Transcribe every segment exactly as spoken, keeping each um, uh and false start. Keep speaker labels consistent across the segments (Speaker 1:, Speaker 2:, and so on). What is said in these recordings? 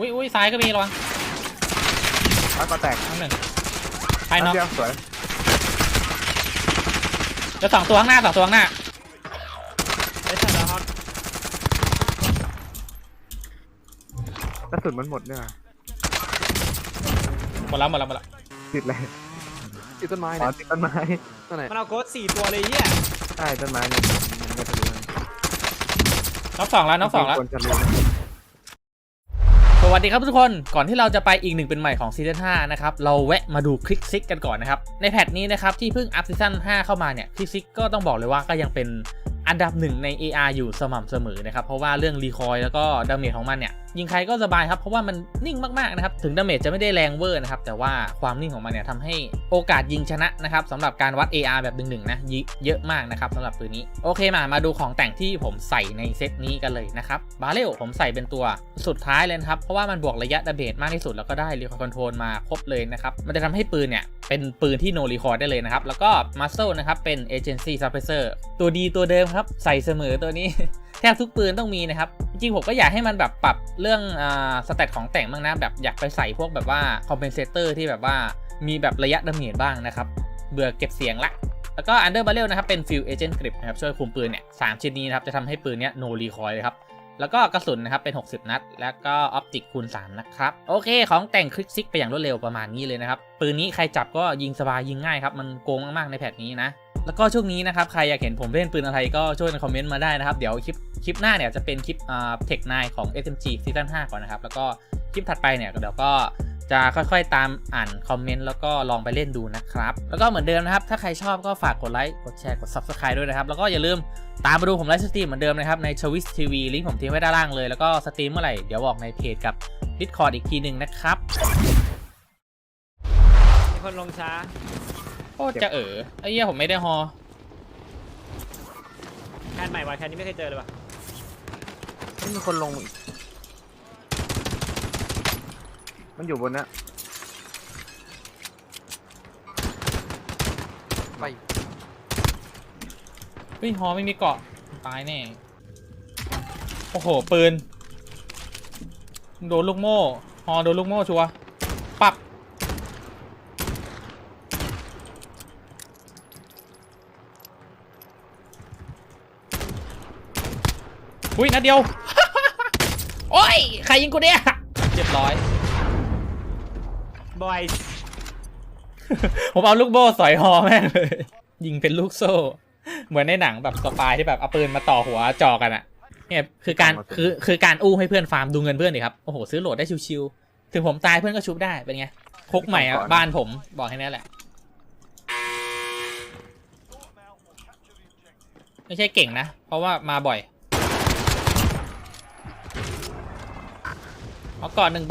Speaker 1: อุ้ยอุ้ยซ้ายก็มีระวัง
Speaker 2: แล้วก็แตก
Speaker 1: ทั้งหนึ่งภายนอก
Speaker 2: สวย
Speaker 1: จะสองตัวข้างหน้าสองตัวข้างหน้า
Speaker 3: ไอ้สัตว์แล้วครับ
Speaker 2: กระสุนมันหมดเนี่ย
Speaker 1: หมดแล้วหมดแล้วหมดแล้ว
Speaker 2: ติดเลย
Speaker 3: ติดต้นไม้
Speaker 2: เนี่ยติดต้นไม้
Speaker 3: มันเอาโค้ดสี่ตัวเลยเฮีย
Speaker 2: ใช่ต้นไม้เนี่ยมันจะรู้
Speaker 1: น็อกสองแล้วน็อกสองแล้วสวัสดีครับทุกคนก่อนที่เราจะไปอีกหนึ่งเป็นใหม่ของซีซั่นห้านะครับเราแวะมาดูคลิกซิกกันก่อนนะครับในแพทนี้นะครับที่เพิ่งอัพซีซั่นห้าเข้ามาเนี่ยคลิกซิกก็ต้องบอกเลยว่าก็ยังเป็นอันดับหนึ่งใน เอ อาร์ อยู่สม่ำเสมอนะครับเพราะว่าเรื่องรีคอยแล้วก็ดาเมจของมันเนี่ยยิงใครก็สบายครับเพราะว่ามันนิ่งมากๆนะครับถึงดาเมจจะไม่ได้แรงเวอร์นะครับแต่ว่าความนิ่งของมันเนี่ยทำให้โอกาสยิงชนะนะครับสำหรับการวัด เอ อาร์ แบบหนึ่งๆนะเยอะมากนะครับสำหรับปืนนี้โอเคมามาดูของแต่งที่ผมใส่ในเซตนี้กันเลยนะครับบาเรลผมใส่เป็นตัวสุดท้ายเลยครับเพราะว่ามันบวกระยะดาเมจมากที่สุดแล้วก็ได้รีคอยคอนโทรลมาครบเลยนะครับมันจะทำให้ปืนเนี่ยเป็นปืนที่โนรีคอยได้เลยนะครับแล้วก็มัสเซลนะครับเป็นเอเจนซี่ซับเพรสเซอร์ตัวดีตัวเดิมครับใส่เสมอตัวนี้ แทบทุกปืนต้องมีนะครับจริงๆผมก็อยากให้มันแบบปรับเรื่องอ่าสเตตของแต่งบ้างนะแบบอยากไปใส่พวกแบบว่าคอมเพนเซเตอร์ที่แบบว่ามีแบบระยะดาเมจบ้างนะครับเบื่อเก็บเสียงละแล้วก็อันเดอร์บาเรลนะครับเป็นฟิลเอเจนต์กริปนะครับช่วยคุมปืนเนี่ยสามชิ้นนี้นะครับจะทำให้ปืนเนี้ยโนรีคอยเลยครับแล้วก็กระสุนนะครับเป็นหกสิบนัดแล้วก็ออปติกคูณสามนะครับโอเคของแต่งคลิกซิกไปอย่างรวดเร็วประมาณนี้เลยนะครับปืนนี้ใครจับก็ยิงสบายยิงง่ายครับมันโกงมากๆในแพทนี้นะแล้วก็ช่วงนี้นะครับใครอยากเห็นผมเล่นปืนอะไรก็ช่วยในคอมเมนต์มาได้นะครับเดี๋ยวคลิปคลิปหน้าเนี่ยจะเป็นคลิปอ่าเทคไนน์ของ เอส เอ็ม จี ซีซั่นห้าก่อนนะครับแล้วก็คลิปถัดไปเนี่ยเดี๋ยวก็จะค่อยๆตามอ่านคอมเมนต์แล้วก็ลองไปเล่นดูนะครับแล้วก็เหมือนเดิมนะครับถ้าใครชอบก็ฝากกดไลค์กดแชร์กด ซับสไครบ์ ด้วยนะครับแล้วก็อย่าลืมตามมาดูผมไลฟ์สตรีมเหมือนเดิมนะครับใน ทวิช ที วี ลิงก์ผมทิ้งไว้ด้านล่างเลยแล้วก็สตรีมเมื่อไหร่เดี๋ยวบอกในเพจกับ Discord อีกทีหนึ่งนะครับ
Speaker 3: มีคนลงช้า
Speaker 1: โอ้จะเออไอ้เหี้ยผมไม่ได้ฮอ
Speaker 3: แคนใหม่ว่ะแคนนี้ไม่เคยเจอเลยว่ะ
Speaker 2: ไม่มีคนลงอีกมันอยู่บนนี้
Speaker 1: ไปเฮ้ยฮอไม่มีเกาะตายแน่โอ้โหปืนโดนลูกโม่ฮอโดนลูกโม่ชัวร์ปับอุ้ยนัดเดียว โอ้ยใครยิงกูเนี่ยเรียบร้อย
Speaker 3: บอย
Speaker 1: ผมเอาลูกโม่สอยฮอแม่งเลยยิงเป็นลูกโซ่เหมือนในหนังแบบสปายที่แบบเอาปืนมาต่อหัวจ่อกันอะเนี่ยคือการคือคือการอู้ให้เพื่อนฟาร์มดูเงินเพื่อนดิครับโอ้โหซื้อโหลดได้ชิวๆถึงผมตายเพื่อนก็ชุบได้เป็นไงพกใหม่อะบ้านผมบอกให้แน่แหละไม่ใช่เก่งนะเพราะว่ามาบ่อยเอาก่อนหนึ่งใบ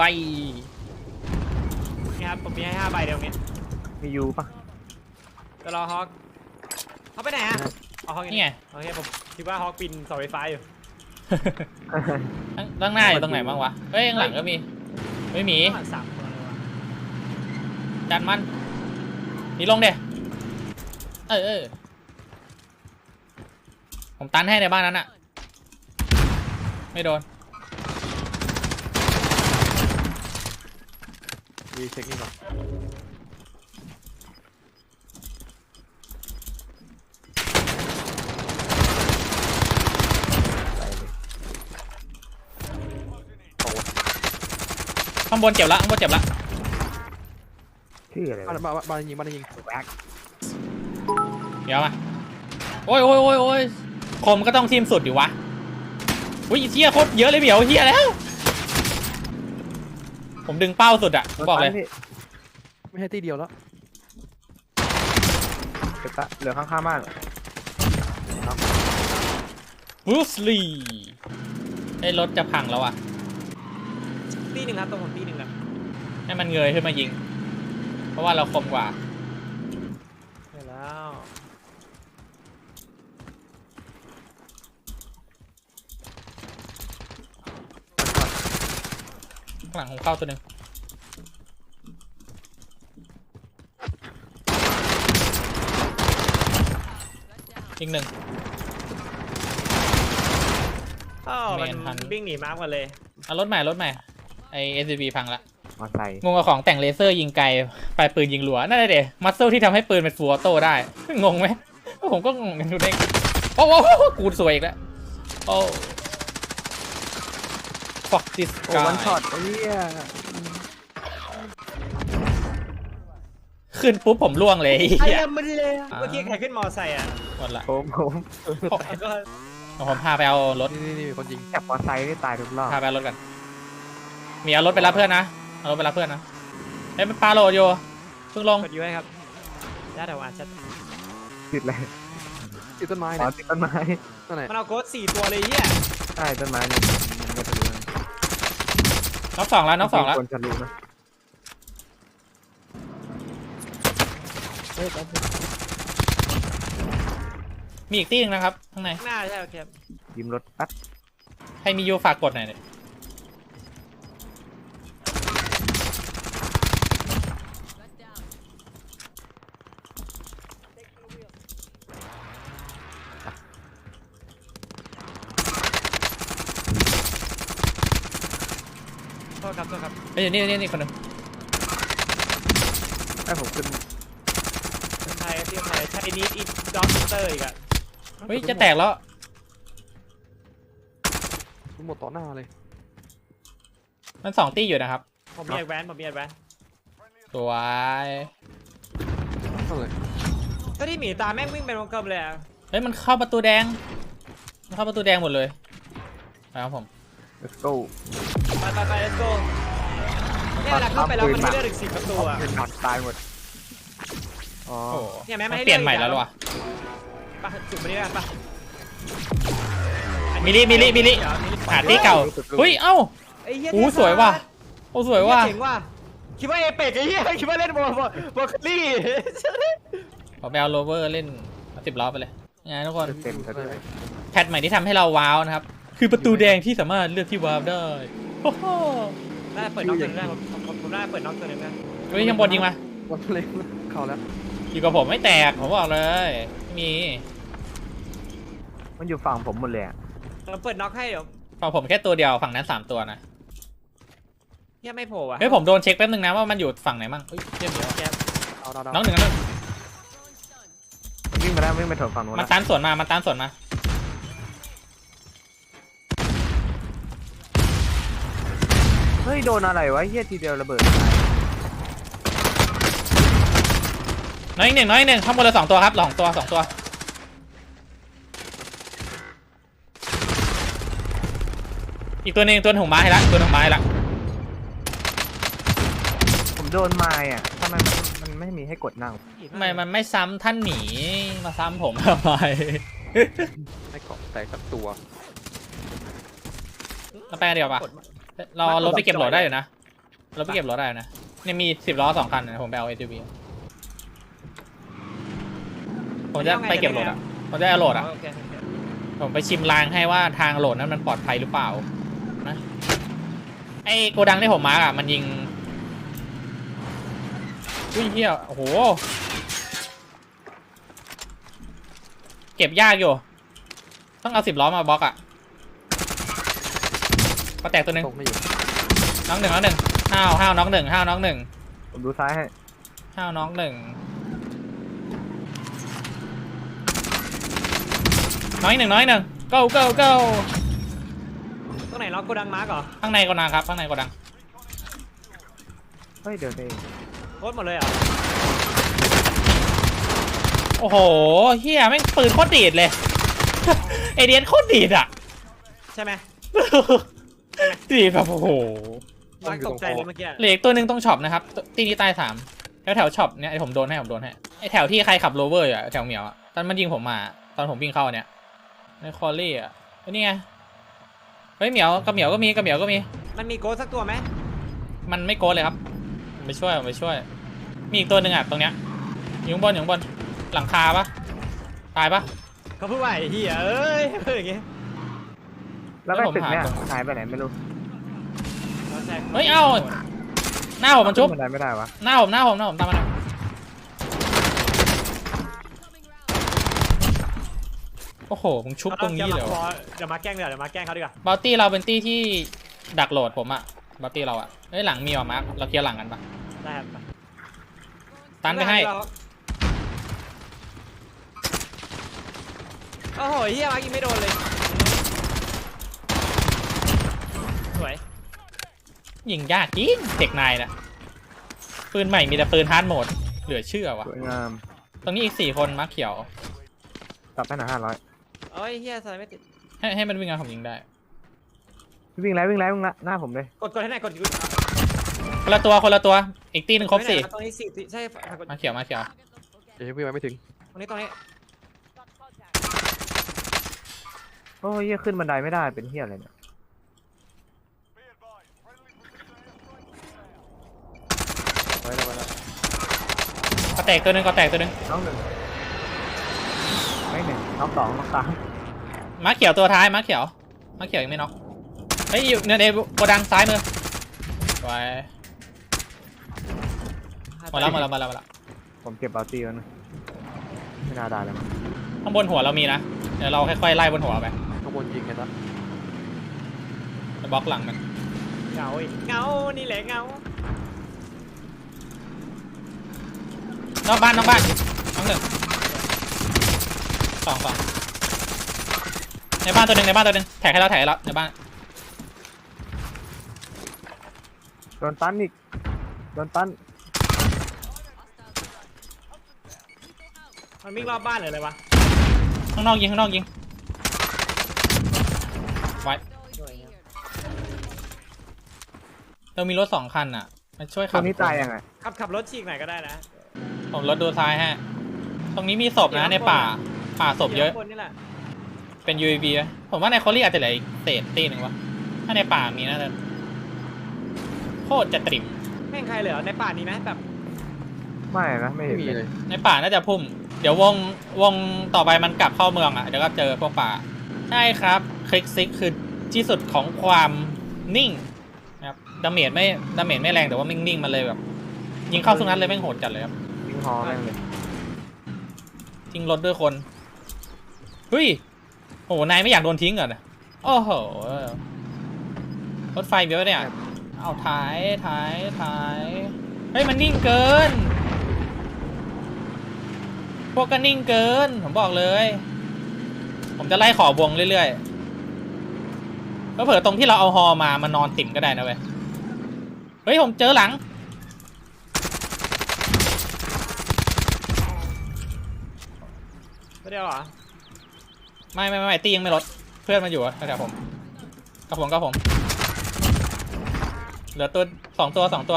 Speaker 3: นี่ครับผมมีให้ห้าใบเดี๋ยวนี้
Speaker 2: มียูปะ
Speaker 3: จะรอฮอกเขาไปไหนอะเอาฮอก
Speaker 1: นี่ไง
Speaker 3: โอเคผมคิดว่าฮอกปินเสาไฟฟ้าอยู่
Speaker 1: ตั้งหน้าอยู่ตรงไหนบ้างวะเฮ้ยข้างหลังก็มีไม่มี
Speaker 3: สามตัวเลยวะ
Speaker 1: ดันมันนี่ลงเดี๋ยเออเออผมตันให้ในบ้านนั้นอะไม่โดน
Speaker 2: ดีเช็คนี่ก่อน
Speaker 1: ข้างบนเจ็บละข้างบนเจ็บละ
Speaker 2: ชื่ออะไร
Speaker 3: บ้านบ้านยิงบ้านยิง
Speaker 2: แบ็ค
Speaker 1: เดี๋ยวมาโอ้ยโอ้ยโอ้ยโอ้ยคมก็ต้องทีมสุดดิวะอุ้ยเชี่ยโคตรเยอะเลยเบียวเชี่ยแล้วผมดึงเป้าสุดอะบอกเลย
Speaker 3: ไม่ใช่ตีเดียวแล้ว
Speaker 2: เหลือข้างๆบ้าน
Speaker 1: บรูซลีไอ้รถจะพังแล้วอะ
Speaker 3: ตีหนึ่งครับตรงผมตีหนึ่งครับ
Speaker 1: ให้มันเงยขึ้นมายิงเพราะว่าเราคมกว่า
Speaker 3: เสร็จแล้ว
Speaker 1: ข้างหลังของเข้าตัวหนึ่งอีกหนึ่ง
Speaker 3: อ๋อมันวิ่งหนีมาร์กกันเลย
Speaker 1: เอารถใหม่รถใหม่ไอไอเอสบีพังละ
Speaker 2: มอไซค์
Speaker 1: งงกับของแต่งเลเซอร์ยิงไกลปลายปืนยิงหลัวนั่นแหละเดะมัสเซลที่ทำให้ปืนเป็นฟูลออโต้ได้งงไหมผมก็งงกันดูเด้งโอ้โหกูสวยอีกแล้วโอ้ fuck this
Speaker 2: โอ้
Speaker 1: guy
Speaker 2: วันช็อตไอ้เหี้ย
Speaker 1: ขึ้นปุ๊บผมล่วงเลย
Speaker 3: ไอ้
Speaker 1: เหี้ย
Speaker 3: เหี้ยมันเลยเมื่อกี้ใครขึ้นมอไซค์อ่ะ
Speaker 1: หมดละ
Speaker 2: ผมผม
Speaker 3: ก็
Speaker 1: ผมพาไปเอารถ
Speaker 4: นี่นี่มีคนยิง
Speaker 2: จับมอไซค์นี่ตายทุกรอบ
Speaker 1: พาไปเอารถกันมีเอารถไปรับเพื่อนนะเอารถไปรับเพื่อนนะเอ้ยมันปาโหลดอยู่เพิ่งลง
Speaker 3: กดยูไว้ครับได้แต่ว่าชัด
Speaker 2: ติดเลย
Speaker 4: ติดต้นไม้
Speaker 2: อ๋อ
Speaker 4: เนี่ย
Speaker 2: ติดต้นไม้
Speaker 4: นั่นแหละ
Speaker 3: มันเอาโค้ดสี่ตัวเลยเหี้ย
Speaker 2: ใช่ต้นไม้เนี่ยมันไม่ทะลุนะ
Speaker 1: น็อกสองแล้วน็อกสองแล้ว
Speaker 2: คนทะลุนะ
Speaker 1: มีอีกที่หนึงนะครับข้างใน
Speaker 3: ข้างหน้าใช่โอเค
Speaker 2: ยืมรถแป๊บ
Speaker 1: ใครมียูฝากกดหน่อยเนี่ย
Speaker 3: โทษครับโทษครับ
Speaker 1: เอ้ยนี่นี่นี่คนหนึง
Speaker 2: ไอ้ผมขึ้น
Speaker 3: ไทยที่ไทยไทยนิดอีกด็อกเตอร์อีกอ่ะ
Speaker 1: เฮ้ยจะแตกแล้ว
Speaker 4: ทุกหมดต่อหน้าเลย
Speaker 1: มันสองตีอยู่นะครับ
Speaker 3: ผมมีแอดแวนผมมีแอดแวน
Speaker 1: สวย
Speaker 4: นั่นเลย
Speaker 3: ถ้าที่หมีตาแม่งวิ่งเป็นวงกลมเลยอ่ะ
Speaker 1: เฮ้ยมันเข้าประตูแดงมันเข้าประตูแดงหมดเลยไปครับผม
Speaker 2: let's go
Speaker 3: ไปไปไป let's go เนี่ยเวลาเข้าไปแล้วมันให้เลือดอีกสิบประตูอ่ะ
Speaker 2: เป็นหนักตายหมดอ๋อ
Speaker 1: โอ้โห
Speaker 3: เนี่ยแม่ไม่
Speaker 1: มัน
Speaker 3: ให้
Speaker 1: เปลี่ยน
Speaker 3: เลือก
Speaker 1: ใหม่แล้ว
Speaker 3: อีก
Speaker 1: หรอวะ
Speaker 3: ไปจุดไปนี่กันปะ
Speaker 1: มิลิมิลิมิลิ หาที่เก่าเฮ้ยเอ้า
Speaker 3: ไอ้เหี้ย
Speaker 1: โอ้สวยว่ะโอ้สวยว่ะ
Speaker 3: เจ๋งว่ะคิดว่าเอเปกไอ้เหี้ยคิดว่าเล่นบอลบอลบอลคลี่
Speaker 1: ผมไปเอาโรเวอร์เล่นสิบล้อไปเลยไงทุกคน
Speaker 2: เต็มๆเลย
Speaker 1: แพทใหม่ที่ทำให้เราว้าวนะครับ คือประตูแดงที่สามารถเลือกที่ว้าวได้โอ้โห
Speaker 3: น่าเปิดน็อกตัวนึงได้ผมผมผมน่าเปิดน็อกตัวนึงได้
Speaker 1: เฮ้ยยังบนยิงมา
Speaker 4: วันเล็กเข้าแล้ว
Speaker 1: อยู่กับผมไม่แตกผมบอกเลยไม่มี
Speaker 2: มันอยู่ฝั่งผมหมดเลยอะ
Speaker 3: เราเปิดน็อกให้เดี๋ยว
Speaker 1: ฝั่งผมแค่ตัวเดียวฝั่งนั้นสามตัวนะ
Speaker 3: เหี้ยไม่โผล่อ่ะ
Speaker 1: เฮ้ยผมโดนเช็คแป๊บนึงนะว่ามันอยู่ฝั่งไหนมั่งเฮ้ยเยี่ยมเยอะ
Speaker 3: แก
Speaker 4: เอาดาวดาว
Speaker 1: น้องหนึ่งน้องหนึ่ง
Speaker 2: มันวิ่งมาแล้ววิ่งไปถงฝั่งนู้น
Speaker 1: มัน
Speaker 2: นะ
Speaker 1: ตันสวนมามันตันสวนมา
Speaker 2: เฮ้ยโดนอะไรวะเฮียทีเดียวระเบิด
Speaker 1: น้อยอีกหนึ่งน้อยอีกหนึ่งข้างบนเลยสองตัวครับสองตัวสองตัวอีกตัวหนึ่งตัวหนึ่งไม้ให้ละตัวหนึ่งไม้ให้ละ
Speaker 2: ผมโดนไม้อ่ะทำไมมันมันไม่มีให้กดนั่ง
Speaker 1: ทำไมมันไม่ซ้ำท่านหมีมาซ้ำผมทำไม
Speaker 4: ให้เกาะแตกสักตัว
Speaker 1: เราไปกันเดียวปะเรารถไปเก็บรถได้อยู่นะรถไปเก็บรถได้อยู่นะเนี่ยมีสิบล้อสองคันนะผมไปเอาเอทีวีผมจะไปเก็บรถอ่ะผมจะเอาโหลดอ่ะ
Speaker 3: โอเคโอเค
Speaker 1: ผมไปชิมรางให้ว่าทางโหลดนั้นมันปลอดภัยหรือเปล่านะไอ้โกดังที่ผมมาร์กอ่ะมันยิงอุ้ยเฮียโอ้โหเก็บยากอยู่ต้องเอาสิบล้อมาบล็อกอ่ะก็แตกตัวหนึ่ง
Speaker 4: ตกไม่อยู่
Speaker 1: น้องหนึ่งน้องหนึ่งห้าวห้าวน้องหนึ่งห้าวน้องหนึ่ง
Speaker 2: ผมดูซ้ายให้
Speaker 1: ห้าวน้องหนึ่งน้อยหนึ่งน้อยหนึ่ง go go go
Speaker 3: ตรงไหนล็อกโกดังมาร์กเหรอ
Speaker 1: ข้างในโกดังครับข้างในโกดัง
Speaker 2: เฮ้ยเดี๋ยวเอง
Speaker 3: โคตรหมดเลยเหรอ
Speaker 1: โอ้โหเฮียแม่งปืนโคตรดีดเลย เอเดียนโคตรดีดอ่ะ
Speaker 3: ใช่ไหม
Speaker 1: ดีดแบบโอ้โห
Speaker 3: มาร์กตกใจเลยเมื่อกี้
Speaker 1: เหลืออีกตัวหนึ่งต้องช็อปนะครับตีนี้ตายสามแล้วแถวช็อปเนี่ยไอผมโดนให้ผมโดนให้ไอแถวที่ใครขับโรเวอร์อยู่อะแถวเหมียวอะตอนมันยิงผมมาตอนผมวิ่งเข้าเนี่ยในคอลลี่อ่ะเฮ้ยนี่ไงเฮ้ยเหมียวกับเหมียวก็มีกับเหมียวก็มี
Speaker 3: มันมีโกดสักตัวไหม
Speaker 1: มันไม่โกดเลยครับผมไปช่วยผมไปช่วย มีอีกตัวหนึ่งอ่ะตรงเนี้ยอยู่ข้างบนอยู่ข้างบนหลังคาปะตายปะ
Speaker 3: เขาพูดว่าไอ้เหี้ยเอ้ยเฮ้ยอย่างเงี้ย
Speaker 2: แล้วไปตึกเนี่ยหายไปไหนไม่รู้
Speaker 1: เฮ้ยเอ้าหน้าผมมันชุบ
Speaker 2: ขึ้นบันไดไม่ได้วะ
Speaker 1: หน้าผมหน้าผมหน้าผมตามมาหน่อยโอ้โหมึงชุบตรงนี้เลยเหรอ
Speaker 3: เดี๋ยวมาแกล้งเดี๋ยวเดี๋ยวมาแกล้งเขาดีกว่า
Speaker 1: บอลตี้เราเป็นตี้ที่ดักโหลดผมอะบัตตี้เราอะเฮ้ยหลังมีว่ะมาร์คเราเคลียร์หลังกันปะ
Speaker 3: ได้ครับ
Speaker 1: ตันไปให้
Speaker 3: โอ้โหเฮียมายิงไม่โดนเลยสวย
Speaker 1: ยิงยากจริงเด็กนายนะปืนใหม่มีแต่ปืนฮาร์ดโหมดเหลือเชื่อวะ
Speaker 2: สวยงาม
Speaker 1: ตรงนี้อีกสี่คนมาร์คเขียว
Speaker 2: กลับไปหน่อยห้าร้อย
Speaker 3: โอ้ยเฮียสไลด์ไม่ติด
Speaker 1: ให้ให้มันวิ่งเอาผมยิงได้
Speaker 2: วิ่งแล้ววิ่งแล้ววิ่งแล้วหน้าผมเลย
Speaker 3: กดกดให้ไหนกดอยู่
Speaker 1: คนละตัวคนละตัวอีกตีหนึ่งครบสี่
Speaker 3: ตรงนี้สี่ใช่กด
Speaker 1: มาเขียวมาเขียว
Speaker 4: เดี๋ยววิ่งไปไม่ถึง
Speaker 3: ตรงนี้ตรงนี้
Speaker 2: โอ้ยเหี้ยขึ้นบันไดไม่ได้เป็นเฮียอะไรเนี่ย
Speaker 4: ไว้แล้วไว้แล้ว
Speaker 1: ก็แตกตัวหนึงก็แตกตัวหนึง
Speaker 2: น้องหนึ่งไม่หนึ่งน้องสองน้องสาม
Speaker 1: มาเขียวตัวท้ายมาเขียวมาเขียวยังไม่น็อกเฮ้ยอยู่เนี่ยในโกดังซ้ายมือไว้หมดแล้วหมดแล้วหมดแล้วหมดแล้ว
Speaker 2: ผมเก็บบาตีแล้วนะไม่น่าได้แล้วมั้ง
Speaker 1: ข้างบนหัวเรามีนะเดี๋ยวเราค่อยๆไล่บนหัวไป
Speaker 4: ข้างบนยิงกันนะ
Speaker 1: จะบล็อกหลังมัน
Speaker 3: เงาอีกเงานี่แหละเงาน
Speaker 1: อกบ้านนอกบ้านน้องหนึ่งสองสองในบ้านตัวหนึ่งในบ้านตัวหนึ่งแท็กให้เราแท็กให้เราในบ้าน
Speaker 2: โดนตันอีกโดนตัน
Speaker 3: มันวิ่งรอบบ้านเลยเลยวะ
Speaker 1: ข้างนอกยิงข้างนอกยิงไว้เรามีรถสองคันอ่ะมาช่วย
Speaker 2: ตั
Speaker 1: ขั
Speaker 2: ว
Speaker 1: บ
Speaker 2: นี้ตายยังไง
Speaker 3: ขับขับรถฉีกหน่อยก็ได้นะ
Speaker 1: ผมรถดูซ้ายฮะตรงนี้มีศพนะในป่าป่าศพเยอะ
Speaker 3: คนนี่แหละ
Speaker 1: เป็น ยู เอ วี ไหมผมว่าในคอรี่อาจจะเหลืออีกเศษตีหนึ่งวะถ้าในป่ามีน่าจะโคตรจะตริม
Speaker 3: แม่งใครเหลือในป่านี้ไหมแบบ
Speaker 2: ไม่นะไม่
Speaker 4: ไม่
Speaker 2: เห็น
Speaker 4: มี
Speaker 2: เลย
Speaker 4: เลย
Speaker 1: ในป่าน่าจะพุ่ม เดี๋ยววงวงต่อไปมันกลับเข้าเมืองอ่ะเดี๋ยวก็เจอพวกป่าใช่ครับคลิกซิกคือที่สุดของความนิ่งนะครับดาเมจไม่ดาเมจไม่แรงแต่ว่านิ่งๆมันเลยแบบยิงเข้าสุนัขเลยแม่งโหดจัดเลยครับ
Speaker 2: ยิงฮอแม่งเลย
Speaker 1: ทิ้งรถด้วยคนเฮ้ยโอ้โหนายไม่อยากโดนทิ้งเหรอเนี่ยโอ้โหรถไฟเบี้ยวเนี่ยเอาท้ายท้ายท้ายเฮ้ยมันนิ่งเกิน พวกก็นิ่งเกินผมบอกเลย ผมจะไล่ขอบวงเรื่อยๆก็เผื่อตรงที่เราเอาฮอมามานอนติ่มก็ได้นะเว้ยเฮ้ยผมเจอหลัง
Speaker 3: ไม่ได้เหรอ
Speaker 1: ไม่ไม่ไม่ตียังไม่ลดเพื่อนมันอยู่แถวผมกับผมกับผมเหลือตัวสองตัวสองตัว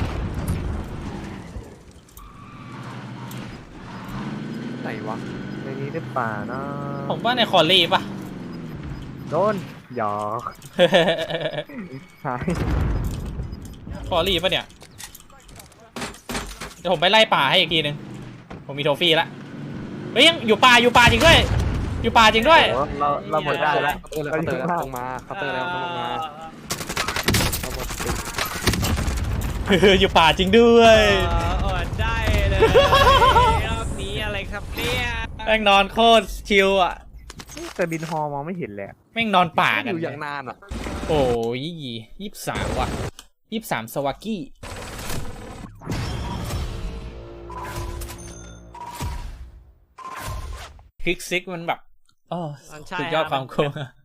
Speaker 4: ไหนวะ
Speaker 2: ในนี้หรือเปล่าเนาะ
Speaker 1: ผมว่าในคอรี่ป่ะ
Speaker 2: โดนหยอกใช่
Speaker 1: คอรี่ป่ะเนี่ยเดี๋ยวผมไปไล่ป่าให้อีกทีนึงผมมีโทฟี่ละเฮ้ยยังอยู่ป่าอยู่ป่าจริงด้วยอยู่ป่าจริงด้วย
Speaker 2: โอ้เราเราหมดได้แล้ว
Speaker 4: เออแล้วเขาเตอร์แล้วลงมาเขาเตอร์แล้วลงมาเขาหมดติด
Speaker 1: อยู่ป่าจริงด้วย
Speaker 3: เอออดได้เลยรอบนี้อะไรครับเนี่ย
Speaker 1: แม่งนอนโคตรชิลอ่ะ
Speaker 2: แต่บินฮอมองไม่เห็นเลยอะ
Speaker 1: แม่งนอนป่า
Speaker 4: อ
Speaker 1: กัน
Speaker 4: ยู่อย่างนานอ่ะ
Speaker 1: โอ้ยยี่สิบสามว่ะยี่สิบสามสวากี้คลิกซิกมันแบบโอ้สุดยอดความโค้ง